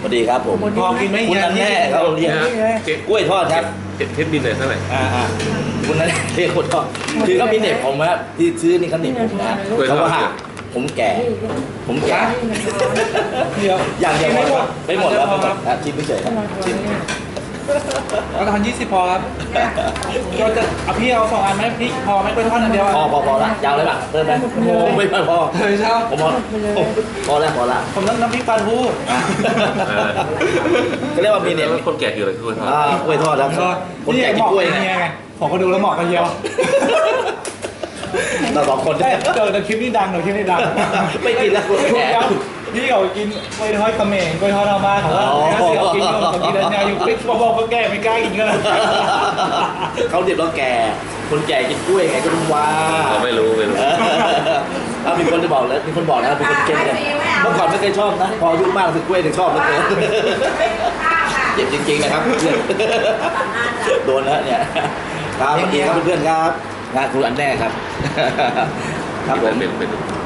สวัสดีครับผมพอกินไหมคุณอันแน่ครับเรียกกล้วยทอดครับเทปบินเลยเท่าไหร่คุณอันแน่เรียกกล้วยทอดคือเขามีเน็บผมครับที่ซื้อนี่เขาเน็บผมนะเขาว่าผมแก่เดี๋ยวอย่างเดียวไม่หมดแล้วชิมไม่เฉยครับชิมเราทาน20พอครับเราจะเอาพี่เอา2 อันไหมพี่พอไหมกล้วยทอดอันเดียวพอละยาวเลยป่ะเพิ่มไหมไม่พอเฮ้ยเช้าผมพอละผมน้ำพริกปลาทูก็เรียกว่ามีเนี่ยคนแก่อยู่เลยกล้วยทอดกล้วยทอดแล้วคนแก่กินกล้วยไงผมก็ดูแล้วเหมาะกันเดียวเราสองคนได้เดี๋ยวคลิปนี้ดังไม่กินแล้วคนแก่พี่เขากินกล้วยทอดเขมรกล้วยทอดธรรมะเขาว่าเสือกินอยู่ปิ๊กบอกก็แก่ไม่กล้ากินกันเลยเขาเด็บเราแก่คนแก่กินกล้วยไงก็ต้องว่าไม่รู้มีคนจะบอกเลยมีคนบอกนะเป็นคนเก่งเลยเมื่อก่อนไม่เคยชอบนะพออายุมากถึงกล้วยถึงชอบแล้วเจ็บจริงๆนะครับโดนแล้วเนี่ยครับสวัสดีครับเพื่อนๆครับงานครูอันแน่ครับครับผมเป็น